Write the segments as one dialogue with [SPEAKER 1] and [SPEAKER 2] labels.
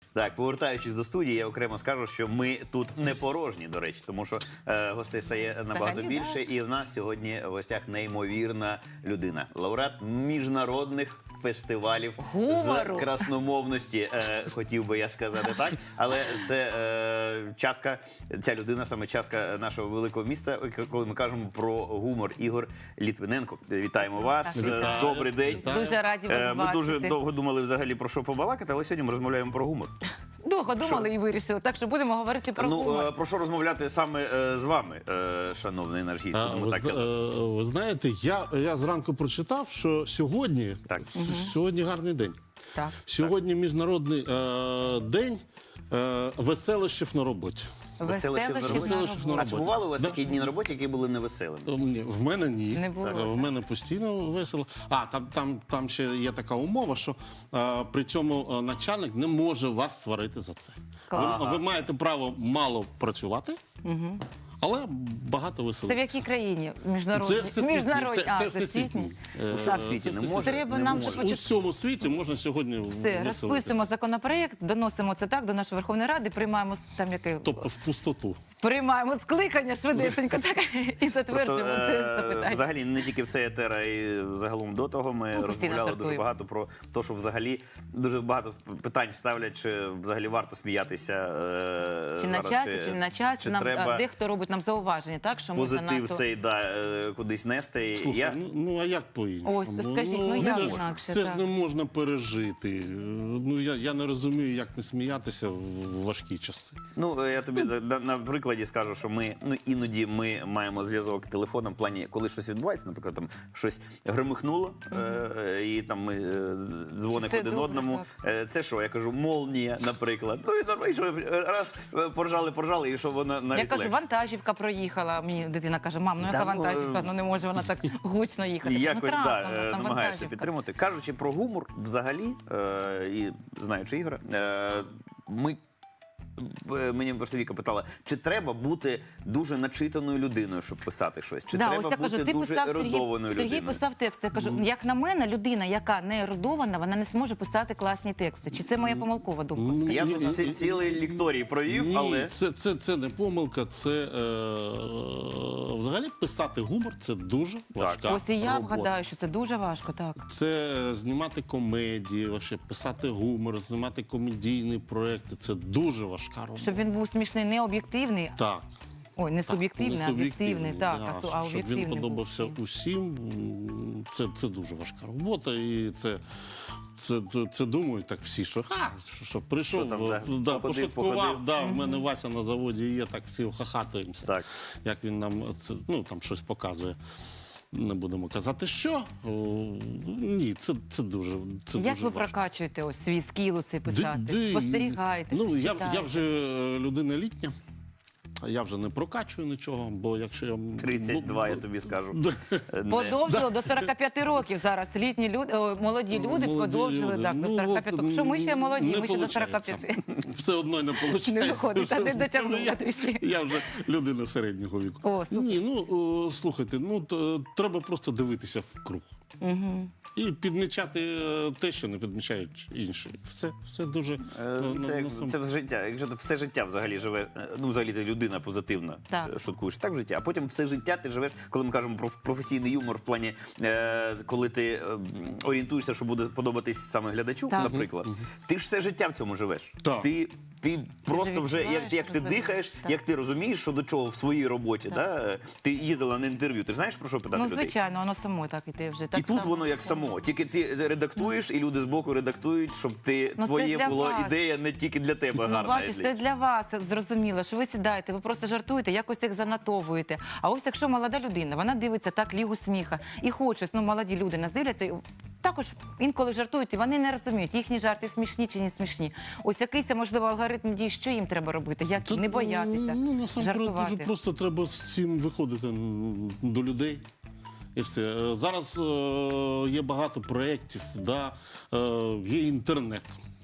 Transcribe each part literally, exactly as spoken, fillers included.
[SPEAKER 1] Так, повертаючись до студії, я окремо скажу, що ми тут не порожні, до речі, тому що е, гостей стає набагато
[SPEAKER 2] Взагалі,
[SPEAKER 1] більше, і в нас сьогодні в гостях неймовірна людина. Лауреат міжнародних фестивалів
[SPEAKER 2] Гумору.
[SPEAKER 1] з красномовності, е, хотів би я сказати так, але це е, частка, ця людина саме частка нашого великого міста, коли ми кажемо про гумор. Ігор Літвиненко. Вітаємо вас.
[SPEAKER 2] Так, вітаю.
[SPEAKER 1] Добрий день.
[SPEAKER 3] Вітаю.
[SPEAKER 2] Дуже раді вас
[SPEAKER 1] Е, Ми
[SPEAKER 2] бачити.
[SPEAKER 1] дуже довго думали взагалі про що побалакати, але сьогодні ми розмовляємо про гумор.
[SPEAKER 2] Довго думали і вирішили. Так що будемо говорити про
[SPEAKER 1] Ну,
[SPEAKER 2] гумор.
[SPEAKER 1] е, про що розмовляти саме е, з вами, е, шановний наш гість?
[SPEAKER 3] А,
[SPEAKER 1] будемо
[SPEAKER 3] ви,
[SPEAKER 1] так
[SPEAKER 3] зна-
[SPEAKER 1] казати.
[SPEAKER 3] е, ви знаєте, я, я зранку прочитав, що сьогодні,
[SPEAKER 1] Так.
[SPEAKER 3] с- сьогодні гарний день.
[SPEAKER 2] Так.
[SPEAKER 3] Сьогодні міжнародний е, день е, веселощів на роботі.
[SPEAKER 1] Веселощів на роботі.
[SPEAKER 3] Веселощів на
[SPEAKER 1] А
[SPEAKER 3] роботі.
[SPEAKER 1] чи бували у вас
[SPEAKER 3] Да.
[SPEAKER 1] такі дні на роботі, які були невеселими?
[SPEAKER 3] Е, ні, В мене ні.
[SPEAKER 2] Не було,
[SPEAKER 3] Е,
[SPEAKER 2] так.
[SPEAKER 3] В мене постійно весело. А, там, там, там ще є така умова, що е, при цьому е, начальник не може вас сварити за це. Ви,
[SPEAKER 1] Ага.
[SPEAKER 3] ви маєте право мало працювати, але багато
[SPEAKER 2] Це в
[SPEAKER 3] веселитися.
[SPEAKER 2] якій країні? Міжнародні?
[SPEAKER 3] всесвітній.
[SPEAKER 2] Міжнародні.
[SPEAKER 3] Це,
[SPEAKER 2] А,
[SPEAKER 3] це
[SPEAKER 2] всесвітній.
[SPEAKER 3] всесвітній. Е,
[SPEAKER 1] У всесвіті
[SPEAKER 3] це
[SPEAKER 1] не
[SPEAKER 3] всесвітній.
[SPEAKER 1] може?
[SPEAKER 2] Треба
[SPEAKER 1] Не
[SPEAKER 2] нам
[SPEAKER 1] може.
[SPEAKER 2] ще
[SPEAKER 3] У
[SPEAKER 2] почути.
[SPEAKER 3] всьому світі можна сьогодні
[SPEAKER 2] Все,
[SPEAKER 3] веселитися.
[SPEAKER 2] розписуємо законопроєкт, доносимо це так до нашої Верховної Ради, приймаємо с- там яке
[SPEAKER 3] Тобто в пустоту.
[SPEAKER 2] приймаємо скликання швидесенько так і
[SPEAKER 1] Просто,
[SPEAKER 2] затверджуємо це
[SPEAKER 1] е,
[SPEAKER 2] запитання.
[SPEAKER 1] взагалі, не тільки в цей етер, а й загалом до того ми
[SPEAKER 2] Ну, постійно
[SPEAKER 1] розмовляли дуже
[SPEAKER 2] жартуємо.
[SPEAKER 1] багато про те, що взагалі дуже багато питань ставлять, чи взагалі варто сміятися е,
[SPEAKER 2] Чи на
[SPEAKER 1] зараз,
[SPEAKER 2] часі, чи не на часі.
[SPEAKER 1] чи
[SPEAKER 2] Нам
[SPEAKER 1] треба
[SPEAKER 2] а, дехто робить нам зауваження, так що ми
[SPEAKER 1] позитив
[SPEAKER 2] занадто...
[SPEAKER 1] цей да, е, кудись нести.
[SPEAKER 3] Слухай,
[SPEAKER 1] Я...
[SPEAKER 3] ну, ну а як по-іншому?
[SPEAKER 2] Ось, скажіть, ну, як
[SPEAKER 3] це ж-
[SPEAKER 2] інакше,
[SPEAKER 3] Це
[SPEAKER 2] так.
[SPEAKER 3] ж не можна пережити. Ну я, я не розумію, як не сміятися в важкі часи.
[SPEAKER 1] Ну, я тобі на, на прикладі скажу, що ми ну іноді ми маємо зв'язок телефоном в плані, коли щось відбувається, наприклад, там щось гримихнуло, е, і там ми е, дзвонимо
[SPEAKER 2] Все
[SPEAKER 1] один
[SPEAKER 2] добре,
[SPEAKER 1] одному. Е, це що? Я кажу, молнія, наприклад. Ну і нормально, що раз е, поржали, поржали, і що вона навіть
[SPEAKER 2] Я кажу,
[SPEAKER 1] легше.
[SPEAKER 2] вантажівка проїхала. Мені дитина каже, мам, ну яка
[SPEAKER 1] Та, ну,
[SPEAKER 2] вантажівка? Ну не може вона так гучно їхати.
[SPEAKER 1] І
[SPEAKER 2] Ну,
[SPEAKER 1] якось да,
[SPEAKER 2] трапом,
[SPEAKER 1] е,
[SPEAKER 2] там
[SPEAKER 1] намагаєшся
[SPEAKER 2] вантажівка.
[SPEAKER 1] підтримати. Кажучи про гумор, взагалі, е, і знаючи Ігоря, е, ми. е, Мені просто Віка питала, чи треба бути дуже начитаною людиною, щоб писати щось? Чи
[SPEAKER 2] Да,
[SPEAKER 1] треба
[SPEAKER 2] ось я
[SPEAKER 1] бути
[SPEAKER 2] кажу, ти
[SPEAKER 1] дуже
[SPEAKER 2] писав,
[SPEAKER 1] ерудованою
[SPEAKER 2] Сергій, Сергій
[SPEAKER 1] людиною?
[SPEAKER 2] писав текст. Я кажу, як на мене, людина, яка не ерудована, вона не зможе писати класні тексти. Чи це моя помилкова думка?
[SPEAKER 3] Ну,
[SPEAKER 1] Я
[SPEAKER 3] ні,
[SPEAKER 1] тут
[SPEAKER 3] ні,
[SPEAKER 1] ці- цілий лікторій провів,
[SPEAKER 3] Ні,
[SPEAKER 1] але
[SPEAKER 3] це, це, це не помилка, це е, взагалі писати гумор це дуже важка
[SPEAKER 2] Ось і я
[SPEAKER 3] робота.
[SPEAKER 2] вгадаю, що це дуже важко, так.
[SPEAKER 3] Це знімати комедії, вообще, писати гумор, знімати комедійні проекти. Це дуже важка робота.
[SPEAKER 2] Щоб він був смішний, не об'єктивний.
[SPEAKER 3] Так.
[SPEAKER 2] Ой, не суб'єктивний,
[SPEAKER 3] не
[SPEAKER 2] а об'єктивний. Так,
[SPEAKER 3] да,
[SPEAKER 2] а су- а
[SPEAKER 3] щоб
[SPEAKER 2] об'єктивний
[SPEAKER 3] він
[SPEAKER 2] був
[SPEAKER 3] подобався
[SPEAKER 2] всім.
[SPEAKER 3] усім, м, це, це дуже важка робота. І це, це, це, це думають так всі, що ха, що прийшов,
[SPEAKER 1] Що там, да,
[SPEAKER 3] да,
[SPEAKER 1] походив,
[SPEAKER 3] пошуткував,
[SPEAKER 1] походив.
[SPEAKER 3] да, в мене Вася на заводі є, так всі хахатуємося.
[SPEAKER 1] Так.
[SPEAKER 3] Як він нам це, ну, там щось показує. Не будемо казати, що. О, ні, це, це дуже, це
[SPEAKER 2] Як
[SPEAKER 3] дуже
[SPEAKER 2] ви
[SPEAKER 3] важко.
[SPEAKER 2] прокачуєте ось свій скіл цей писати?
[SPEAKER 3] Ди- ди-
[SPEAKER 2] Спостерігаєте?
[SPEAKER 3] Ну,
[SPEAKER 2] щось
[SPEAKER 3] я,
[SPEAKER 2] читаєте?
[SPEAKER 3] я вже е, людина літня. Я вже не прокачую нічого, бо якщо я...
[SPEAKER 1] тридцять два,
[SPEAKER 3] ну,
[SPEAKER 1] я тобі скажу.
[SPEAKER 3] Да.
[SPEAKER 1] Е, не.
[SPEAKER 2] Подовжили до сорока п'яти років зараз. Літні люди, о, молоді люди
[SPEAKER 3] Молоді
[SPEAKER 2] подовжили
[SPEAKER 3] люди.
[SPEAKER 2] так, до
[SPEAKER 3] Ну,
[SPEAKER 2] сорока
[SPEAKER 3] от,
[SPEAKER 2] п'яти. Що ми ще молоді,
[SPEAKER 3] не
[SPEAKER 2] ми ще до сорока
[SPEAKER 3] получається.
[SPEAKER 2] п'яти.
[SPEAKER 3] Все одно не виходить.
[SPEAKER 2] Не виходить, а не дотягнула
[SPEAKER 3] я,
[SPEAKER 2] трішки.
[SPEAKER 3] я вже людина середнього віку.
[SPEAKER 2] О, супер.
[SPEAKER 3] Ні, ну, о, слухайте, ну, то, треба просто дивитися в круг.
[SPEAKER 2] Угу.
[SPEAKER 3] І підмічати е, те, що не підмічають інші. Все, все дуже...
[SPEAKER 1] Е,
[SPEAKER 3] е, на-
[SPEAKER 1] Це,
[SPEAKER 3] на сам-
[SPEAKER 1] це життя. Якщо ти все життя взагалі живе, е, ну взагалі ти людина позитивна,
[SPEAKER 2] Так.
[SPEAKER 1] е, шуткуєш так в житті, а потім все життя ти живеш, коли ми кажемо про професійний юмор в плані, е, коли ти е, м, орієнтуєшся, що буде подобатись саме глядачу,
[SPEAKER 2] Так.
[SPEAKER 1] наприклад, ти ж все життя в цьому живеш.
[SPEAKER 3] Так.
[SPEAKER 1] Ти, ти просто вже, як,
[SPEAKER 2] відчуваєш,
[SPEAKER 1] як ти
[SPEAKER 2] розумієш,
[SPEAKER 1] дихаєш,
[SPEAKER 2] так.
[SPEAKER 1] як ти розумієш, що до чого в своїй роботі. Да? Ти їздила на інтерв'ю, ти ж знаєш, про що питати
[SPEAKER 2] Ну,
[SPEAKER 1] людей?
[SPEAKER 2] звичайно, воно само так іде вже. Так
[SPEAKER 1] І тут
[SPEAKER 2] само.
[SPEAKER 1] воно як само. Тільки ти редактуєш, і люди збоку редактують, щоб ти
[SPEAKER 2] Ну, це
[SPEAKER 1] твоє
[SPEAKER 2] для
[SPEAKER 1] було
[SPEAKER 2] вас.
[SPEAKER 1] ідея не тільки для тебе
[SPEAKER 2] Ну,
[SPEAKER 1] гарна.
[SPEAKER 2] бачиш, це для вас зрозуміло, що ви сідаєте, ви просто жартуєте, якось їх занотовуєте. А ось якщо молода людина, вона дивиться так лігу сміха і хоче, ну молоді люди нас дивляться, і також інколи жартують, і вони не розуміють, їхні жарти смішні чи не смішні. Ось якийсь, можливо, алгоритм дій, що їм треба робити, як
[SPEAKER 3] Та,
[SPEAKER 2] не боятися,
[SPEAKER 3] Ну, насамперед,
[SPEAKER 2] жартувати.
[SPEAKER 3] дуже просто треба з цим виходити м, до людей. І все. Е, Зараз е, є багато проєктів, да, е, є інтернет.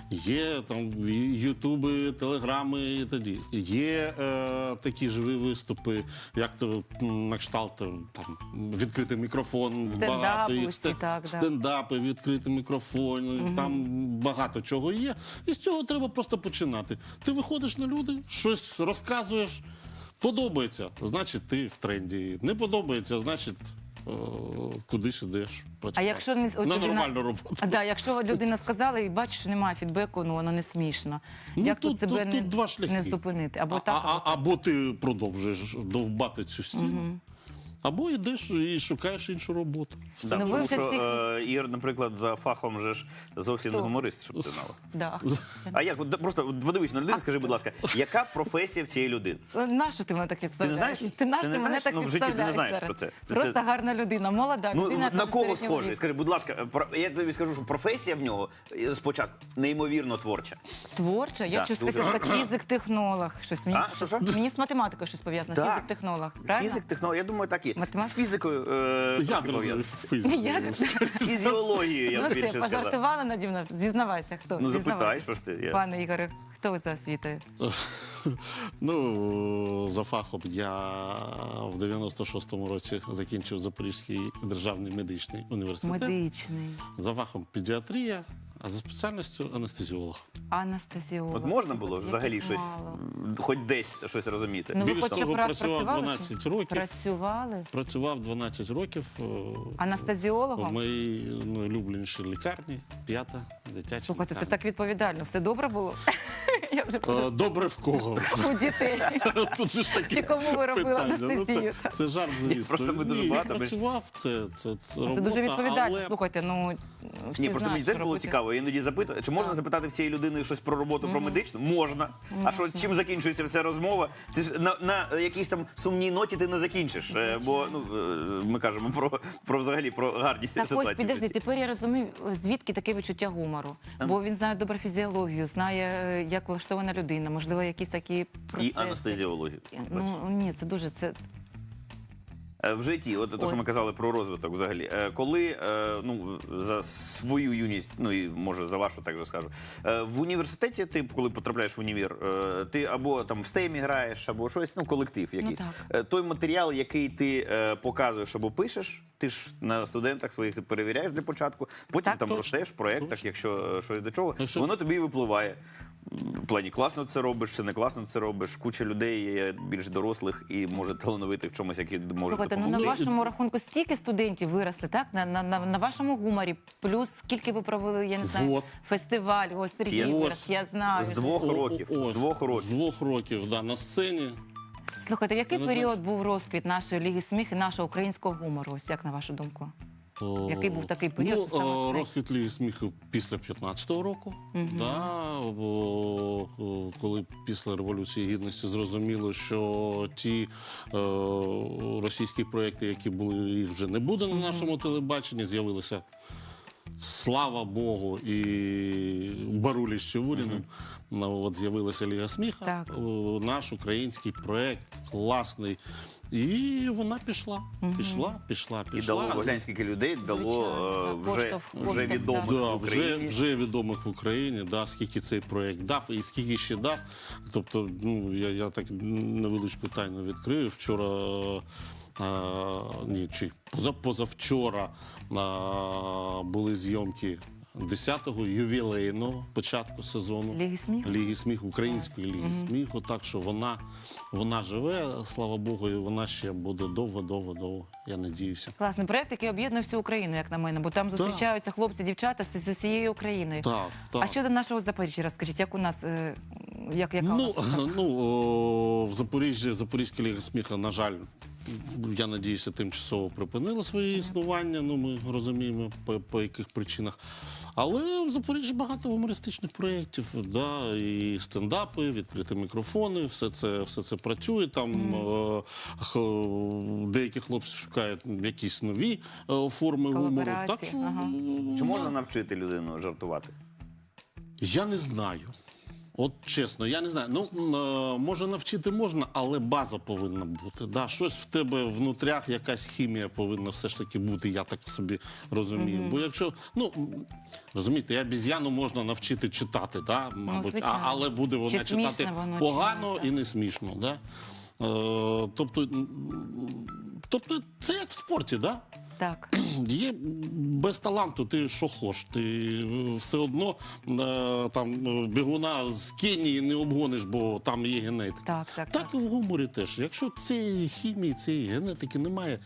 [SPEAKER 3] Є там ютуби, телеграми і тоді. Є е, такі живі виступи, як то м, на кшталт е, там відкритий мікрофон,
[SPEAKER 2] Стендапи
[SPEAKER 3] багато їх,
[SPEAKER 2] усі, так, да.
[SPEAKER 3] стендапи, відкритий мікрофон, там багато чого є. І з цього треба просто починати. Ти виходиш на люди, щось розказуєш, подобається, значить ти в тренді. Не подобається, значить е, кудись ідеш працювати.
[SPEAKER 2] А якщо не от
[SPEAKER 3] на
[SPEAKER 2] людина-
[SPEAKER 3] нормальну роботу.
[SPEAKER 2] А, да, якщо людина сказала і бачиш, що немає фідбеку, ну воно не смішно.
[SPEAKER 3] Ну,
[SPEAKER 2] Як тут,
[SPEAKER 3] тут-
[SPEAKER 2] себе
[SPEAKER 3] тут-
[SPEAKER 2] не,
[SPEAKER 3] тут два шляхи.
[SPEAKER 2] не зупинити? Або
[SPEAKER 3] А,
[SPEAKER 2] так,
[SPEAKER 3] а,
[SPEAKER 2] або так.
[SPEAKER 3] або ти продовжуєш довбати цю стіну, або йдеш і шукаєш іншу роботу.
[SPEAKER 1] Да,
[SPEAKER 2] Ну, ви
[SPEAKER 1] тому
[SPEAKER 2] вже
[SPEAKER 1] що
[SPEAKER 2] ці-
[SPEAKER 1] е, Ігор, наприклад, за фахом же ж зовсім не
[SPEAKER 2] Хто?
[SPEAKER 1] гуморист, щоб ти знала.
[SPEAKER 2] Да.
[SPEAKER 1] А як? От Просто от подивись на людину, скажи, будь ласка, яка професія в цієї людини?
[SPEAKER 2] Нащо ти мене так відставляєш?
[SPEAKER 1] знаєш?
[SPEAKER 2] Ти нащо
[SPEAKER 1] Ти не
[SPEAKER 2] мене
[SPEAKER 1] знаєш?
[SPEAKER 2] так
[SPEAKER 1] Ну, в житті ти не
[SPEAKER 2] відставляєш
[SPEAKER 1] знаєш
[SPEAKER 2] зараз?
[SPEAKER 1] про це. Ти
[SPEAKER 2] Просто
[SPEAKER 1] це-
[SPEAKER 2] гарна людина, молода
[SPEAKER 1] Ну,
[SPEAKER 2] людина.
[SPEAKER 1] на
[SPEAKER 2] теж
[SPEAKER 1] кого
[SPEAKER 2] середнього
[SPEAKER 1] схожий?
[SPEAKER 2] віку.
[SPEAKER 1] Скажи, будь ласка, про- я тобі скажу, що професія в нього е, спочатку неймовірно творча.
[SPEAKER 2] Творча? Я
[SPEAKER 1] Да,
[SPEAKER 2] щось
[SPEAKER 1] дуже.
[SPEAKER 2] хотіла сказати фізик-технолог. Щось мені,
[SPEAKER 1] А, що, що?
[SPEAKER 2] мені з математикою щось пов'язано.
[SPEAKER 1] Так.
[SPEAKER 2] Фізик-технолог. Правильно?
[SPEAKER 1] Фізик, технолог, я думаю, так і.
[SPEAKER 2] Математика?
[SPEAKER 1] З фізикою е, трошки
[SPEAKER 3] Ядерний
[SPEAKER 1] пов'язано.
[SPEAKER 3] фізик.
[SPEAKER 2] Я-
[SPEAKER 1] Фізіологією, я
[SPEAKER 2] Ну
[SPEAKER 1] б
[SPEAKER 2] все,
[SPEAKER 1] більше сказав.
[SPEAKER 2] пожартували наді мною. Зізнавайся, хто?
[SPEAKER 1] Ну,
[SPEAKER 2] Зізнавайся.
[SPEAKER 1] запитай, що ж ти. Я...
[SPEAKER 2] Пане Ігоре, хто ви за освітою?
[SPEAKER 3] Ну, за фахом я в дев'яносто шостому році закінчив Запорізький державний медичний університет.
[SPEAKER 2] Медичний.
[SPEAKER 3] За фахом педіатрія, а за спеціальністю анестезіолог.
[SPEAKER 2] Анестезіолог.
[SPEAKER 1] От можна було
[SPEAKER 2] Яких
[SPEAKER 1] взагалі щось,
[SPEAKER 2] мало.
[SPEAKER 1] м, хоч десь щось розуміти?
[SPEAKER 2] Ну, ви
[SPEAKER 3] Більш
[SPEAKER 2] хоча б
[SPEAKER 3] того,
[SPEAKER 2] раз
[SPEAKER 3] працював
[SPEAKER 2] працювали,
[SPEAKER 3] дванадцять років.
[SPEAKER 2] Працювали?
[SPEAKER 3] Працював дванадцять років е, в
[SPEAKER 2] Анестезіологом?
[SPEAKER 3] моїй найулюбленішій лікарні, п'ята дитяча
[SPEAKER 2] Слухайте, це
[SPEAKER 3] лікарня.
[SPEAKER 2] так відповідально. Все добре було? Я вже
[SPEAKER 3] Е, Добре в кого?
[SPEAKER 2] у дітей.
[SPEAKER 3] Тут же ж таке
[SPEAKER 2] Чи кому ви робили
[SPEAKER 3] питання. Ну,
[SPEAKER 2] анестезію?
[SPEAKER 3] це, це жарт, звісно.
[SPEAKER 1] просто ми дуже
[SPEAKER 3] Ні,
[SPEAKER 1] багато, ми-
[SPEAKER 3] працював, це, це, це,
[SPEAKER 2] Це
[SPEAKER 3] робота,
[SPEAKER 2] дуже відповідально.
[SPEAKER 3] але...
[SPEAKER 2] Слухайте, ну всі
[SPEAKER 1] Ні, просто
[SPEAKER 2] знають,
[SPEAKER 1] мені
[SPEAKER 2] що
[SPEAKER 1] теж було
[SPEAKER 2] робити.
[SPEAKER 1] цікаво. Я іноді запитую, чи можна запитати в цієї людини щось про роботу, про медичну? Можна. А що, чим закінчується вся розмова? Ти ж на, на якійсь там сумній ноті ти не закінчиш. Е, Бо ну, е, ми кажемо про, про взагалі про гарні
[SPEAKER 2] Так ось,
[SPEAKER 1] ситуації. в
[SPEAKER 2] підожди,
[SPEAKER 1] житті.
[SPEAKER 2] тепер я розумію, звідки таке відчуття гумору. Бо він знає добре фізіологію, знає, е, як влаштована людина, можливо, якісь такі процеси.
[SPEAKER 1] І анестезіологію.
[SPEAKER 2] Ну, ні, це дуже, це...
[SPEAKER 1] Е, В житті, от те, що
[SPEAKER 2] Ой.
[SPEAKER 1] ми казали про розвиток взагалі. Е, Коли, е, ну, за свою юність, ну і може за вашу так же скажу, е, в університеті ти, коли потрапляєш в універ, е, ти або там в стемі граєш, або щось, ну, колектив якийсь.
[SPEAKER 2] так.
[SPEAKER 1] Е, Той матеріал, який ти е, показуєш або пишеш, ти ж на студентах своїх ти перевіряєш для початку, потім
[SPEAKER 2] Так,
[SPEAKER 1] там
[SPEAKER 2] точно.
[SPEAKER 1] ростеш в проєктах, якщо е, щось до чого,
[SPEAKER 3] Ну, що-
[SPEAKER 1] воно тобі і випливає. В плані класно це робиш, чи не класно це робиш. Куча людей є більш дорослих і може талановитих в чомусь, які можуть
[SPEAKER 2] Слухайте, ну на
[SPEAKER 1] допомогти.
[SPEAKER 2] вашому рахунку стільки студентів виросли, так? На, на, на, на вашому гуморі, плюс скільки ви провели, я не знаю,
[SPEAKER 3] Вот.
[SPEAKER 2] фестиваль, ось Сергій
[SPEAKER 1] Я-
[SPEAKER 2] вирос, я знаю.
[SPEAKER 1] З двох
[SPEAKER 3] О, о,
[SPEAKER 1] років.
[SPEAKER 3] ось,
[SPEAKER 1] З двох
[SPEAKER 3] З
[SPEAKER 1] років.
[SPEAKER 3] двох років, да, на сцені.
[SPEAKER 2] Слухайте, в який
[SPEAKER 3] Я не
[SPEAKER 2] період
[SPEAKER 3] знаю.
[SPEAKER 2] був розквіт нашої Ліги сміху і нашого українського гумору? Ось як на вашу думку?
[SPEAKER 3] О,
[SPEAKER 2] Який був такий період,
[SPEAKER 3] Ну,
[SPEAKER 2] що саме
[SPEAKER 3] о,
[SPEAKER 2] най-
[SPEAKER 3] розквіт Ліги сміху після п'ятнадцятого року. Да, бо, о, коли після Революції Гідності зрозуміло, що ті е, російські проекти, які були, їх вже не буде на нашому телебаченні, з'явилися. Слава Богу, і Барулі з Чевуріним. Ну, от з'явилася Ліга сміха,
[SPEAKER 2] Так.
[SPEAKER 3] о, наш український проект, класний. І вона пішла, пішла, пішла,
[SPEAKER 1] І
[SPEAKER 3] пішла.
[SPEAKER 1] дало глянь, скільки людей дало
[SPEAKER 2] Звичайно,
[SPEAKER 1] е,
[SPEAKER 2] так,
[SPEAKER 1] вже,
[SPEAKER 2] поштовх,
[SPEAKER 1] вже
[SPEAKER 2] поштовх,
[SPEAKER 1] відомих
[SPEAKER 3] Да,
[SPEAKER 1] в
[SPEAKER 3] вже,
[SPEAKER 1] Україні.
[SPEAKER 3] вже відомих в Україні, да, скільки цей проєкт дав і скільки ще дасть. Тобто, ну, я, я так невеличку тайну відкрию. Вчора, а, ні, чи поза, позавчора а, були зйомки десятого ювілейного початку сезону.
[SPEAKER 2] Ліги сміху?
[SPEAKER 3] Ліги сміху, української ліги сміху. Так що вона, вона живе, слава Богу, і вона ще буде довго, довго, довго, я надіюся.
[SPEAKER 2] Класний проєкт, який об'єднує всю Україну, як на мене, бо там зустрічаються хлопці, дівчата з, з усією Україною.
[SPEAKER 3] Так, так.
[SPEAKER 2] А щодо нашого Запоріжжя, розкажіть, як у нас, е, як, яка у
[SPEAKER 3] Ну,
[SPEAKER 2] нас?
[SPEAKER 3] ну о, в Запоріжжі, Запорізька ліга сміха, на жаль, я надіюся, тимчасово припинила своє існування. Ну, ми розуміємо, по, по яких причинах. Але в Запоріжжі багато гумористичних проєктів, да, і стендапи, відкриті мікрофони, все це, все це працює. Там е, х- деякі хлопці шукають якісь нові е, форми гумору.
[SPEAKER 2] Колаборації,
[SPEAKER 3] Так що
[SPEAKER 2] ага.
[SPEAKER 1] Чи можна навчити людину жартувати?
[SPEAKER 3] я не знаю. От чесно, я не знаю. Ну, м, е, може навчити можна, але база повинна бути. Да? Щось в тебе внутрях, якась хімія повинна все ж таки бути, я так собі розумію. Бо якщо, ну, м, розумієте, обіз'яну можна навчити читати, да? Мабуть, а,
[SPEAKER 2] звичайно.
[SPEAKER 3] але буде вона
[SPEAKER 2] Чи смішно
[SPEAKER 3] читати
[SPEAKER 2] воно, чи
[SPEAKER 3] погано
[SPEAKER 2] ні, так.
[SPEAKER 3] і не смішно. Да? Е, тобто, м, тобто, це як в спорті, да?
[SPEAKER 2] Так.
[SPEAKER 3] Є без таланту, ти що хочеш, ти все одно е, там е, бігуна з Кенії не обгониш, бо там є генетика.
[SPEAKER 2] Так, так,
[SPEAKER 3] Так і в гуморі теж. Якщо цієї хімії, цієї генетики немає,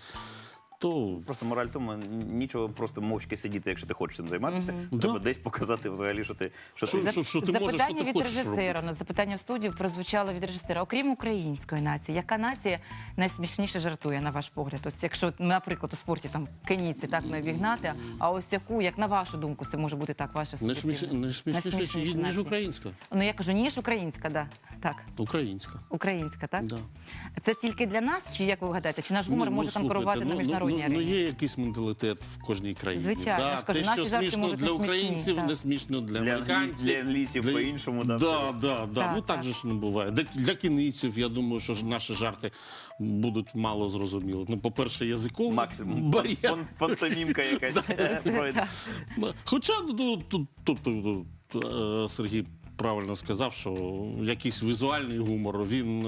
[SPEAKER 3] то
[SPEAKER 1] Просто мораль в тому, нічого просто мовчки сидіти, якщо ти хочеш цим займатися.
[SPEAKER 3] Мгм.
[SPEAKER 1] Треба
[SPEAKER 3] Да.
[SPEAKER 1] десь показати взагалі, що ти що
[SPEAKER 3] Що-
[SPEAKER 1] ти
[SPEAKER 3] що- що ти можеш, що
[SPEAKER 2] запитання
[SPEAKER 3] ти
[SPEAKER 2] від
[SPEAKER 3] хочеш
[SPEAKER 2] режисера.
[SPEAKER 3] робити.
[SPEAKER 2] Ну, запитання в студію прозвучало від режисера. Окрім української нації, яка нація найсмішніше жартує, на ваш погляд? Ось якщо, наприклад, у спорті там кенійці так не обігнати, а ось яку, як на вашу думку, це може бути так, ваша
[SPEAKER 3] не, сміш...
[SPEAKER 2] суб'єктивна?
[SPEAKER 3] не смішніше,
[SPEAKER 2] Найсмішніша
[SPEAKER 3] ніж
[SPEAKER 2] нація.
[SPEAKER 3] українська.
[SPEAKER 2] Ну я кажу, ніж українська, да. Так,
[SPEAKER 3] Українська.
[SPEAKER 2] українська, так?
[SPEAKER 3] Да.
[SPEAKER 2] Це тільки для нас, чи як ви гадаєте? Чи наш гумор
[SPEAKER 3] Ні,
[SPEAKER 2] може
[SPEAKER 3] ну,
[SPEAKER 2] там
[SPEAKER 3] слухайте,
[SPEAKER 2] керувати
[SPEAKER 3] ну,
[SPEAKER 2] на міжнародній
[SPEAKER 3] ну, ну,
[SPEAKER 2] арені?
[SPEAKER 3] Ну, є якийсь менталітет в кожній країні.
[SPEAKER 2] Звичайно, я
[SPEAKER 3] Да,
[SPEAKER 2] ж кажу,
[SPEAKER 3] те,
[SPEAKER 2] наші
[SPEAKER 3] що
[SPEAKER 2] жарти
[SPEAKER 3] смішно
[SPEAKER 2] можуть
[SPEAKER 3] для
[SPEAKER 2] не смішні,
[SPEAKER 3] українців,
[SPEAKER 2] так.
[SPEAKER 3] не смішно для,
[SPEAKER 1] Для
[SPEAKER 3] американців.
[SPEAKER 1] англі- для англійців по-іншому, да,
[SPEAKER 3] Да,
[SPEAKER 1] все.
[SPEAKER 3] да, да.
[SPEAKER 2] Так,
[SPEAKER 3] Ну так
[SPEAKER 2] так.
[SPEAKER 3] же ж не буває. Для, для кінійців, я думаю, що ж наші жарти будуть мало зрозумілі. Ну, по-перше, язиковий
[SPEAKER 1] максимум
[SPEAKER 3] бар'єр.
[SPEAKER 1] пан- пантомімка якась е, пройде.
[SPEAKER 3] Хоча, ну, тут, тобто, е, Сергій правильно сказав, що якийсь візуальний гумор, він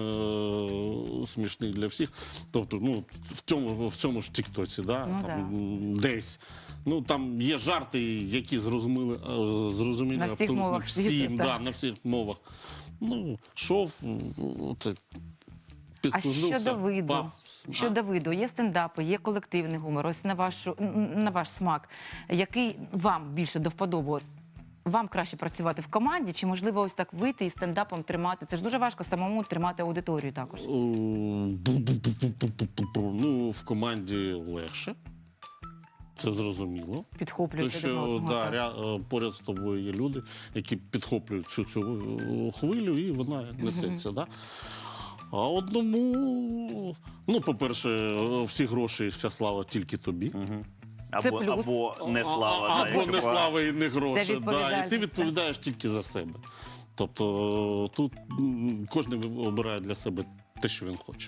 [SPEAKER 3] е, смішний для всіх. Тобто, ну, в цьому, в цьому ж тіктоці, да?
[SPEAKER 2] Ну,
[SPEAKER 3] там, м, десь. Ну, там є жарти, які зрозуміли, е, зрозумілі
[SPEAKER 2] На всіх
[SPEAKER 3] абсолютно
[SPEAKER 2] мовах
[SPEAKER 3] всім,
[SPEAKER 2] світу,
[SPEAKER 3] да,
[SPEAKER 2] так.
[SPEAKER 3] на всіх мовах. Ну, шов, це
[SPEAKER 2] А
[SPEAKER 3] підслужився,
[SPEAKER 2] щодо виду,
[SPEAKER 3] впав.
[SPEAKER 2] щодо виду, є стендапи, є колективний гумор. Ось на вашу на ваш смак, який вам більше до вподоби? От вам краще працювати в команді, чи можливо ось так вийти і стендапом тримати? Це ж дуже важко самому тримати аудиторію також.
[SPEAKER 3] О, бу-бу-бу-бу-бу-бу-бу. Ну, в команді легше. Це зрозуміло. Тому
[SPEAKER 2] Підхоплювати один
[SPEAKER 3] що
[SPEAKER 2] одного.
[SPEAKER 3] да,
[SPEAKER 2] так.
[SPEAKER 3] ря- е, поряд з тобою є люди, які підхоплюють всю цю е, хвилю, і вона несеться. Да? А одному, ну, по-перше, е, всі гроші і вся слава тільки тобі.
[SPEAKER 1] Або,
[SPEAKER 2] плюс.
[SPEAKER 1] або не слава.
[SPEAKER 3] А-
[SPEAKER 1] да,
[SPEAKER 3] або
[SPEAKER 1] якщо
[SPEAKER 3] не
[SPEAKER 1] погано.
[SPEAKER 3] слава і не гроші. Да, і
[SPEAKER 2] відповідальність,
[SPEAKER 3] ти
[SPEAKER 2] так.
[SPEAKER 3] відповідаєш тільки за себе. Тобто е, тут м, кожен обирає для себе те, що він хоче.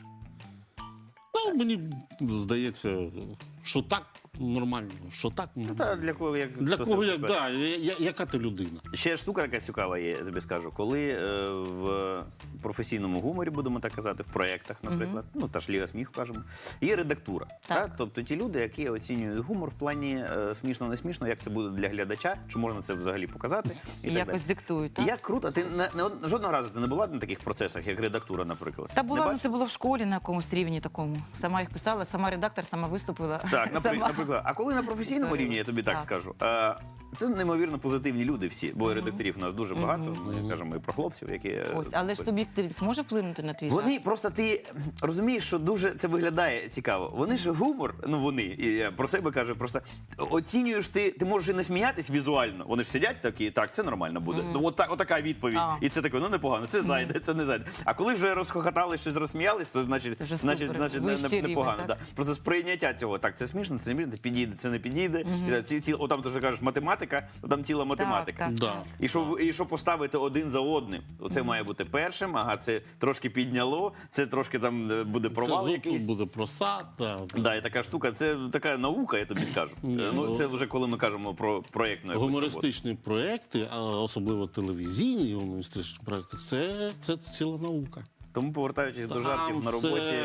[SPEAKER 3] Ну, мені здається, що так нормально, що так
[SPEAKER 1] Ну,
[SPEAKER 3] нормально.
[SPEAKER 1] та для кого як
[SPEAKER 3] Для
[SPEAKER 1] хто
[SPEAKER 3] кого
[SPEAKER 1] себе
[SPEAKER 3] як,
[SPEAKER 1] себе.
[SPEAKER 3] да, я- я- яка ти людина?
[SPEAKER 1] Ще штука така цікава є, я тобі скажу. Коли е, в професійному гуморі, будемо так казати, в проєктах, наприклад, ну та ж Ліга сміху кажемо, є редактура.
[SPEAKER 2] Так.
[SPEAKER 1] Та? Тобто ті люди, які оцінюють гумор в плані е, смішно, не смішно, як це буде для глядача, чи можна це взагалі показати, і,
[SPEAKER 2] І
[SPEAKER 1] так
[SPEAKER 2] якось
[SPEAKER 1] далі.
[SPEAKER 2] диктують, так?
[SPEAKER 1] Як круто, ти не, не од- жодного разу ти не була на таких процесах, як редактура, наприклад.
[SPEAKER 2] Та
[SPEAKER 1] Не
[SPEAKER 2] була, ну
[SPEAKER 1] бачиш?
[SPEAKER 2] це було в школі на якомусь рівні такому. Сама їх писала, сама редактор, сама виступила.
[SPEAKER 1] Так, напри-
[SPEAKER 2] сама.
[SPEAKER 1] наприклад, а коли на професійному
[SPEAKER 2] Історія.
[SPEAKER 1] рівні, я тобі так,
[SPEAKER 2] Так.
[SPEAKER 1] скажу, е, це неймовірно позитивні люди всі, бо редакторів у нас дуже багато.
[SPEAKER 3] Мгм.
[SPEAKER 1] Ми кажемо і про хлопців, які е,
[SPEAKER 2] Ось, але ж суб'єктивність може вплинути на твій
[SPEAKER 1] вони
[SPEAKER 2] жарт?
[SPEAKER 1] просто ти розумієш, що дуже це виглядає цікаво. Вони ж гумор, ну вони, і я про себе кажу, просто оцінюєш ти, ти можеш і не сміятись візуально. Вони ж сидять такі, так, це нормально буде. Ну, от так, отака відповідь.
[SPEAKER 2] А.
[SPEAKER 1] І це таке, ну непогано, це зайде, це не зайде. А коли вже розхохотали, щось розсміялись, то значить,
[SPEAKER 2] Це вже
[SPEAKER 1] значить,
[SPEAKER 2] супер,
[SPEAKER 1] значить не,
[SPEAKER 2] вищий
[SPEAKER 1] не,
[SPEAKER 2] рівень,
[SPEAKER 1] непогано.
[SPEAKER 2] так?
[SPEAKER 1] Да. Просто сприйняття цього, так, це смішно, це не смішно, підійде, це не підійде. І, ці, ці, отам ти вже кажеш математика, там ціла математика.
[SPEAKER 2] так.
[SPEAKER 3] Да.
[SPEAKER 1] І що, і що поставити один за одним, оце має бути першим, ага, це трошки підняло, це трошки там е, буде провал
[SPEAKER 3] Це
[SPEAKER 1] якийсь.
[SPEAKER 3] тут буде просад. Да.
[SPEAKER 1] Да, і така штука, це така наука, я тобі скажу. Е, Ну, це вже коли ми кажемо про проєктну якусь роботу.
[SPEAKER 3] Гумористичні проекти, а особливо телевізійні гумористичні проекти, це, це ціла наука.
[SPEAKER 1] Тому повертаючись до
[SPEAKER 3] Там
[SPEAKER 1] жартів на
[SPEAKER 3] це-
[SPEAKER 1] роботі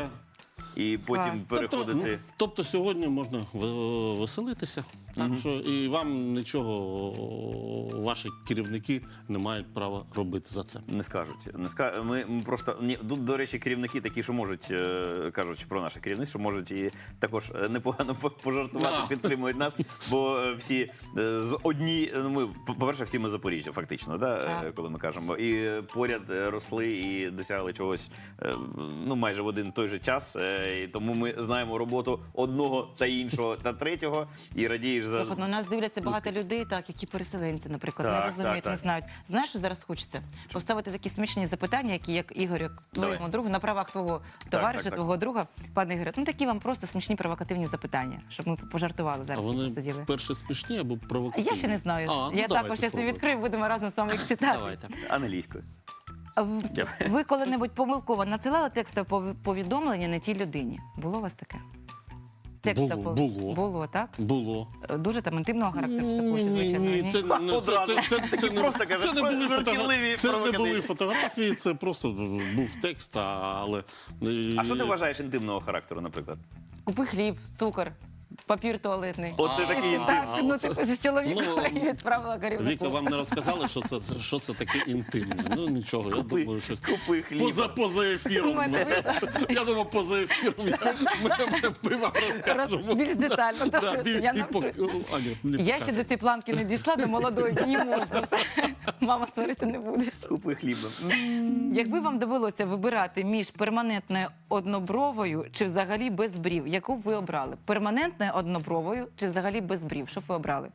[SPEAKER 1] і потім
[SPEAKER 2] Клас.
[SPEAKER 1] переходити.
[SPEAKER 3] Тобто, ну, тобто сьогодні можна в- веселитися, так що і вам нічого ваші керівники не мають права робити за це.
[SPEAKER 1] Не скажуть. Не ска... ми, ми просто ні, тут, до речі, керівники такі, що можуть, е, кажучи про наше керівництво, можуть і також е, непогано по- пожартувати,
[SPEAKER 3] Да.
[SPEAKER 1] підтримують нас, бо е, всі е, з одні, ну ми, по-перше, всі ми Запоріжжя, фактично, да, е,
[SPEAKER 2] Так.
[SPEAKER 1] коли ми кажемо, і е, поряд е, росли і досягли чогось, е, ну майже в один той же час. е, І тому ми знаємо роботу одного та іншого та третього, і радієш за
[SPEAKER 2] Слухай, ну, нас дивляться багато людей, так, які переселенці, наприклад. наприклад, не
[SPEAKER 1] Так,
[SPEAKER 2] розуміють,
[SPEAKER 1] так,
[SPEAKER 2] не
[SPEAKER 1] так.
[SPEAKER 2] знають. Знаєш, що зараз хочеться? Поставити такі смішні запитання, які, як Ігор, як твоєму
[SPEAKER 1] Давай.
[SPEAKER 2] другу, на правах твого товариша,
[SPEAKER 1] так, так.
[SPEAKER 2] твого друга, пане Ігоре. Ну, такі вам просто смішні провокативні запитання, щоб ми пожартували
[SPEAKER 3] А
[SPEAKER 2] зараз.
[SPEAKER 3] вони
[SPEAKER 2] посиділи.
[SPEAKER 3] вперше смішні або
[SPEAKER 2] А
[SPEAKER 3] провокативні?
[SPEAKER 2] я ще не знаю.
[SPEAKER 3] А, ну,
[SPEAKER 2] я
[SPEAKER 3] давайте
[SPEAKER 2] також, якщо
[SPEAKER 3] спробуємо.
[SPEAKER 2] відкрию, будемо разом з вами їх читати.
[SPEAKER 3] Давайте.
[SPEAKER 1] Англійською.
[SPEAKER 2] А в- Ви коли-небудь помилково надсилали текстове пов- повідомлення не тій людині? Було у вас таке? Текстове
[SPEAKER 3] Було,
[SPEAKER 2] пов-
[SPEAKER 3] було.
[SPEAKER 2] Було, так?
[SPEAKER 3] Було.
[SPEAKER 2] Дуже там інтимного характеру, такого, чи,
[SPEAKER 3] Ні,
[SPEAKER 2] звичайно,
[SPEAKER 3] ні,
[SPEAKER 2] ні?
[SPEAKER 3] це, не- не-
[SPEAKER 1] Одразу.
[SPEAKER 3] це, це, це,
[SPEAKER 1] Такі
[SPEAKER 3] не-
[SPEAKER 1] просто кажуть,
[SPEAKER 3] це не були
[SPEAKER 1] жартівливі,
[SPEAKER 3] фотографії, це не
[SPEAKER 1] провокативні.
[SPEAKER 3] були фотографії, це просто був текст, а- але... е,
[SPEAKER 1] А що ти вважаєш інтимного характеру, наприклад?
[SPEAKER 2] Купи хліб, цукор, папір туалетний.
[SPEAKER 1] От ти
[SPEAKER 3] А,
[SPEAKER 1] такий
[SPEAKER 3] а,
[SPEAKER 1] інтим.
[SPEAKER 2] Так,
[SPEAKER 3] а,
[SPEAKER 2] ну
[SPEAKER 3] оце-
[SPEAKER 2] ти ж чоловіка
[SPEAKER 3] Ну,
[SPEAKER 2] і відправила
[SPEAKER 3] Віка,
[SPEAKER 2] керівнику.
[SPEAKER 3] вам не розказали, що це, це- що це таке інтимне? Ну нічого, я
[SPEAKER 1] Купи,
[SPEAKER 3] думаю, щось
[SPEAKER 1] купи хліб.
[SPEAKER 3] поза, поза
[SPEAKER 2] У
[SPEAKER 3] ефіром.
[SPEAKER 2] мене
[SPEAKER 3] Я думав, поза ефіром я, ми, ми, ми вам розкажемо.
[SPEAKER 2] Роз- більш детально,
[SPEAKER 3] Да,
[SPEAKER 2] добре,
[SPEAKER 3] біль-
[SPEAKER 2] я
[SPEAKER 3] і пок-
[SPEAKER 2] навчусь.
[SPEAKER 3] О, Аня, не
[SPEAKER 2] Я ще
[SPEAKER 3] покажу.
[SPEAKER 2] до цієї планки не дійшла, до молодої, мені можна вже. Мама створити не будеш.
[SPEAKER 1] Купи хліба.
[SPEAKER 2] Якби вам довелося вибирати між перманентною однобровою чи взагалі без брів, яку б ви обрали? Перманентною однобровою чи взагалі без брів? Що б ви обрали?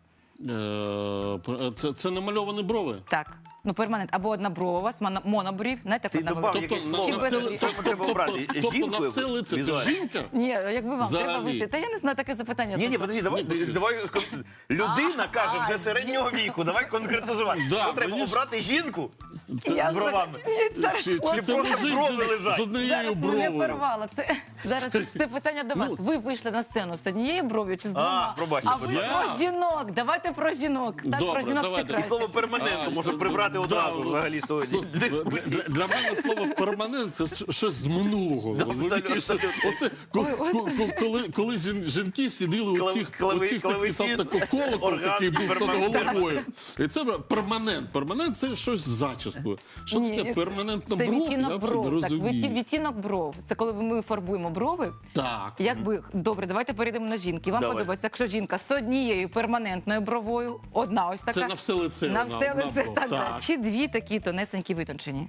[SPEAKER 3] Е, Це, це намальовані брови?
[SPEAKER 2] Так. Ну, перманент або одноброва, у вас моно- монобрів, знаєте,
[SPEAKER 1] Ти
[SPEAKER 2] як одна
[SPEAKER 1] добав
[SPEAKER 2] велика.
[SPEAKER 1] якесь
[SPEAKER 3] на-
[SPEAKER 1] слово.
[SPEAKER 2] Чи
[SPEAKER 3] на
[SPEAKER 2] без
[SPEAKER 3] все
[SPEAKER 2] брів?
[SPEAKER 3] ли-
[SPEAKER 1] Що треба обрати?
[SPEAKER 3] тобто- тобто
[SPEAKER 1] Жінку
[SPEAKER 3] на все
[SPEAKER 1] якусь?
[SPEAKER 3] лице це
[SPEAKER 1] Візуально.
[SPEAKER 3] жінка?
[SPEAKER 2] Ні, якби вам треба
[SPEAKER 3] Взагалі.
[SPEAKER 2] вийти. Та я не знаю, таке запитання.
[SPEAKER 1] Ні, ні,
[SPEAKER 2] тут.
[SPEAKER 1] подожди, давай, давай скон- людина каже вже середнього віку, давай конкретизувати.
[SPEAKER 3] Да,
[SPEAKER 1] Що треба
[SPEAKER 3] мені ж-
[SPEAKER 1] обрати жінку
[SPEAKER 2] Я
[SPEAKER 1] з бровами?
[SPEAKER 2] Мені зараз
[SPEAKER 3] Чи, чи
[SPEAKER 1] Чи
[SPEAKER 3] це
[SPEAKER 1] просто
[SPEAKER 3] мужик
[SPEAKER 1] брови
[SPEAKER 3] з-
[SPEAKER 1] лежать?
[SPEAKER 3] з однією
[SPEAKER 2] Зараз мене
[SPEAKER 3] бровою?
[SPEAKER 2] порвало. Це зараз це питання до вас.
[SPEAKER 3] Ну,
[SPEAKER 2] Ви вийшли на сцену з однією бров'ю чи з двома?
[SPEAKER 1] пробачте,
[SPEAKER 2] а ви
[SPEAKER 1] будь
[SPEAKER 3] ласка.
[SPEAKER 2] про жінок. Давайте про жінок. Так,
[SPEAKER 3] Добре,
[SPEAKER 2] про жінок
[SPEAKER 3] давайте.
[SPEAKER 2] все
[SPEAKER 1] І
[SPEAKER 2] краще.
[SPEAKER 1] слово перманентно
[SPEAKER 3] А,
[SPEAKER 1] може прибрати
[SPEAKER 3] да,
[SPEAKER 1] одразу
[SPEAKER 3] да.
[SPEAKER 1] взагалі з того
[SPEAKER 3] Для,
[SPEAKER 1] дискусії.
[SPEAKER 3] для, для мене слово перманент це щ- щось з минулого.
[SPEAKER 1] Да,
[SPEAKER 3] розумієш?
[SPEAKER 1] абсолютно.
[SPEAKER 3] Оце, ко-
[SPEAKER 2] Ой, ой.
[SPEAKER 3] ко- ко- коли, коли жін- жінки сиділи у
[SPEAKER 1] Клав-
[SPEAKER 3] цих,
[SPEAKER 1] клави-
[SPEAKER 3] у цих
[SPEAKER 1] клавесін,
[SPEAKER 3] там такий колокол,
[SPEAKER 1] орган,
[SPEAKER 3] такий був над
[SPEAKER 1] перманент.
[SPEAKER 3] головою. І це перманент. Перманент це щось з зачіскою. Що
[SPEAKER 2] Ні,
[SPEAKER 3] таке
[SPEAKER 2] це-
[SPEAKER 3] перманентна
[SPEAKER 2] Це
[SPEAKER 3] бров? Я
[SPEAKER 2] відтінок
[SPEAKER 3] взагалі не
[SPEAKER 2] бров. Так, відті-
[SPEAKER 3] розумію.
[SPEAKER 2] відтінок бров. Це коли ми фарбуємо брови.
[SPEAKER 3] Так.
[SPEAKER 2] Якби добре, давайте перейдемо на жінки. Вам
[SPEAKER 1] Давай.
[SPEAKER 2] подобається, якщо жінка з однією перманентною бровою, одна ось така.
[SPEAKER 3] Це на все лице.
[SPEAKER 2] На все лице,
[SPEAKER 3] бров.
[SPEAKER 2] так, так. Чи дві такі тонесенькі витончені?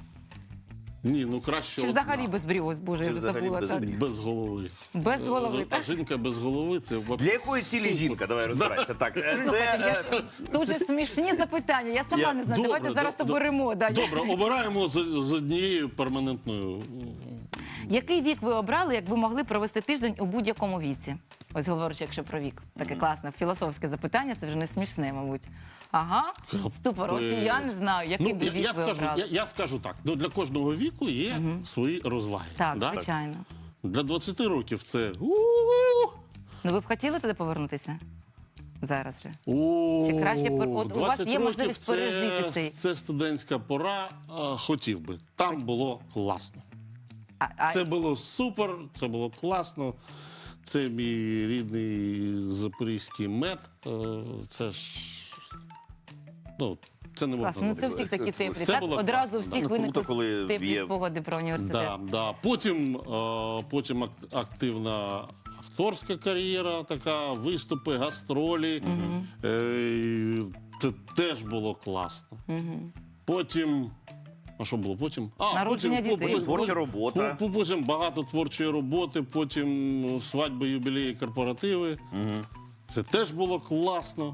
[SPEAKER 3] Ні, ну краще
[SPEAKER 2] Чи
[SPEAKER 3] одна.
[SPEAKER 2] взагалі без брів? Ось, Боже,
[SPEAKER 1] Чи
[SPEAKER 2] я вже
[SPEAKER 1] взагалі
[SPEAKER 2] забула.
[SPEAKER 1] без
[SPEAKER 2] так.
[SPEAKER 1] брів?
[SPEAKER 3] Без голови.
[SPEAKER 2] Без голови,
[SPEAKER 3] А
[SPEAKER 2] так?
[SPEAKER 3] жінка без голови це взагалі
[SPEAKER 1] Для якої цілі
[SPEAKER 3] супер.
[SPEAKER 1] жінка? Давай розбирайся. Так, е,
[SPEAKER 2] Слухайте,
[SPEAKER 1] це
[SPEAKER 2] я-
[SPEAKER 1] е,
[SPEAKER 2] Тут же смішні запитання, я сама
[SPEAKER 1] Я-
[SPEAKER 2] не знаю.
[SPEAKER 3] Добре,
[SPEAKER 2] Давайте зараз
[SPEAKER 3] до- до-
[SPEAKER 2] оберемо. Да.
[SPEAKER 3] Добре, обираємо з, з однією перманентною.
[SPEAKER 2] Який вік ви обрали, як ви могли провести тиждень у будь-якому віці? Ось говорячи, якщо про вік. Таке класне філософське запитання, це вже не смішне, мабуть. Ага, ступор, ось і я не знаю, який
[SPEAKER 3] Ну,
[SPEAKER 2] би
[SPEAKER 3] я,
[SPEAKER 2] вік
[SPEAKER 3] я,
[SPEAKER 2] ви
[SPEAKER 3] скажу,
[SPEAKER 2] обрали.
[SPEAKER 3] я, я скажу так: ну, для кожного віку є свої розваги.
[SPEAKER 2] Так,
[SPEAKER 3] да?
[SPEAKER 2] звичайно.
[SPEAKER 3] Для двадцяти років це. у-у-у,
[SPEAKER 2] Ну ви б хотіли туди повернутися? Зараз же.
[SPEAKER 3] о,
[SPEAKER 2] Чи краще пер- от у вас
[SPEAKER 3] двадцять
[SPEAKER 2] є
[SPEAKER 3] років
[SPEAKER 2] можливість
[SPEAKER 3] це-
[SPEAKER 2] пережити цей-
[SPEAKER 3] Це студентська пора. а, Хотів би. Там було класно.
[SPEAKER 2] А, а,
[SPEAKER 3] Це було супер, це було класно. Це мій рідний запорізький мед. Е, Це ж. Ну, це не можна
[SPEAKER 2] класно. Ну це
[SPEAKER 3] забути.
[SPEAKER 2] всіх такі теплі.
[SPEAKER 3] Це
[SPEAKER 2] Так
[SPEAKER 3] було
[SPEAKER 2] одразу
[SPEAKER 3] класно,
[SPEAKER 2] всіх
[SPEAKER 1] да. Ну,
[SPEAKER 2] виникли
[SPEAKER 1] круто, коли
[SPEAKER 2] теплі
[SPEAKER 1] є-
[SPEAKER 2] спогади про університет.
[SPEAKER 3] Да, да. Потім, е, потім ак- активна акторська кар'єра, така, виступи, гастролі. Е, і це теж було класно. Потім. А що було потім? А,
[SPEAKER 2] Народження
[SPEAKER 3] потім,
[SPEAKER 2] дітей.
[SPEAKER 3] потім-
[SPEAKER 1] Творча робота.
[SPEAKER 3] по- по- Потім багато творчої роботи, потім свадьби, юбілеї, корпоративи. Це теж було класно.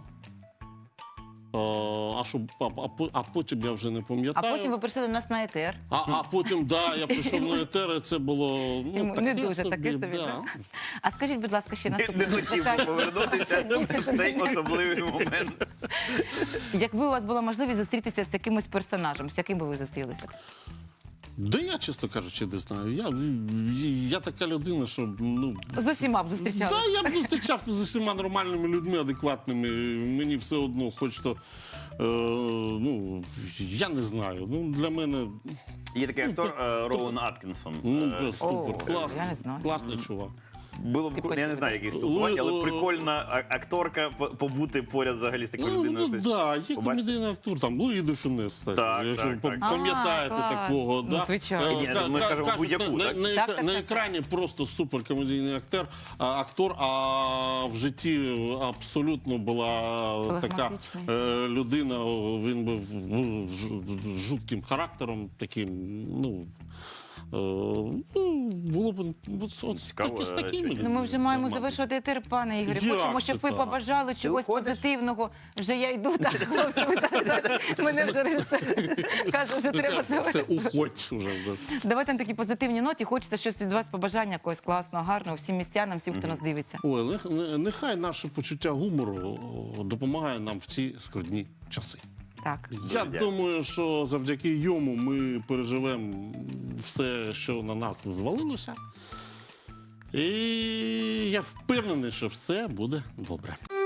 [SPEAKER 3] Е, А, що, а, а, по- а потім я вже не
[SPEAKER 2] А
[SPEAKER 3] пам'ятаю.
[SPEAKER 2] потім ви прийшли до нас на етер.
[SPEAKER 3] А, а потім, да, я прийшов на етер, і це було ну,
[SPEAKER 2] Йому
[SPEAKER 3] таке
[SPEAKER 2] не дуже,
[SPEAKER 3] собі,
[SPEAKER 2] таке собі,
[SPEAKER 3] да.
[SPEAKER 2] так? А скажіть, будь ласка, ще
[SPEAKER 1] не,
[SPEAKER 2] наступне
[SPEAKER 1] не хотів
[SPEAKER 2] запитання.
[SPEAKER 1] повернутися в цей особливий момент.
[SPEAKER 2] Якби у вас була можливість зустрітися з якимось персонажем, з яким би ви зустрілися?
[SPEAKER 3] Да я, чесно кажучи, не знаю. Я, я така людина, що ну.
[SPEAKER 2] З усіма б
[SPEAKER 3] Да,
[SPEAKER 2] зустрічалися.
[SPEAKER 3] я б зустрічався з усіма нормальними людьми, адекватними. Мені все одно, хоч то. Е, ну, я не знаю. Ну, для мене.
[SPEAKER 1] Є такий актор е, Роуен Аткінсон.
[SPEAKER 3] Ну,
[SPEAKER 1] Е,
[SPEAKER 3] да, супер,
[SPEAKER 2] О,
[SPEAKER 3] класний.
[SPEAKER 2] я не знаю.
[SPEAKER 3] Класний чувак.
[SPEAKER 1] Було б
[SPEAKER 2] Ти
[SPEAKER 1] я не
[SPEAKER 2] хочеш
[SPEAKER 1] знаю, який спілкування, але
[SPEAKER 3] Лу-
[SPEAKER 1] прикольна а- акторка по- побути поряд взагалі з такою
[SPEAKER 3] Ну,
[SPEAKER 1] людиною.
[SPEAKER 3] ну
[SPEAKER 1] щось
[SPEAKER 3] да, є
[SPEAKER 1] побачити.
[SPEAKER 3] комедійний актор, там Луї де Фюнес, кстати,
[SPEAKER 1] Так,
[SPEAKER 3] якщо
[SPEAKER 1] так,
[SPEAKER 3] ви
[SPEAKER 1] так.
[SPEAKER 3] пам'ятаєте
[SPEAKER 2] А, клас.
[SPEAKER 3] такого.
[SPEAKER 2] Ну,
[SPEAKER 3] да?
[SPEAKER 2] звичайно.
[SPEAKER 3] Е,
[SPEAKER 1] Ні,
[SPEAKER 3] ка-
[SPEAKER 1] ми
[SPEAKER 3] ка-
[SPEAKER 1] кажемо
[SPEAKER 3] кажуть,
[SPEAKER 1] будь-яку,
[SPEAKER 3] на,
[SPEAKER 1] так?
[SPEAKER 3] на,
[SPEAKER 2] Так, так,
[SPEAKER 3] на
[SPEAKER 2] так,
[SPEAKER 3] екрані просто суперкомедійний актор, а, актор, а в житті абсолютно була така
[SPEAKER 2] Флегматичний.
[SPEAKER 3] е, людина, він був ну, ж- жутким характером, таким, ну, ну, було б от, от,
[SPEAKER 1] Цікаво,
[SPEAKER 3] такі, з
[SPEAKER 1] е,
[SPEAKER 3] такими
[SPEAKER 1] сьогодні.
[SPEAKER 2] Ну, ми вже маємо
[SPEAKER 3] нормально.
[SPEAKER 2] завершувати етер, пане Ігорі.
[SPEAKER 3] Як
[SPEAKER 2] Хочемо,
[SPEAKER 3] це
[SPEAKER 2] щоб ви
[SPEAKER 3] так?
[SPEAKER 2] побажали чогось
[SPEAKER 1] уходиш?
[SPEAKER 2] позитивного. Вже я йду, так, хлопці, ви зараз- мене вже режисер каже, вже треба
[SPEAKER 3] Все,
[SPEAKER 2] завершити.
[SPEAKER 3] уходь вже. вже.
[SPEAKER 2] Давайте на такій позитивній ноті. Хочеться щось від вас побажання якогось класного, гарного всім містянам, всім, хто нас дивиться.
[SPEAKER 3] Ой, нех- не- нехай наше почуття гумору о, допомагає нам в ці скрутні часи.
[SPEAKER 2] Так.
[SPEAKER 3] Я
[SPEAKER 1] дякую.
[SPEAKER 3] думаю, що завдяки йому ми переживемо все, що на нас звалилося. І я впевнений, що все буде добре.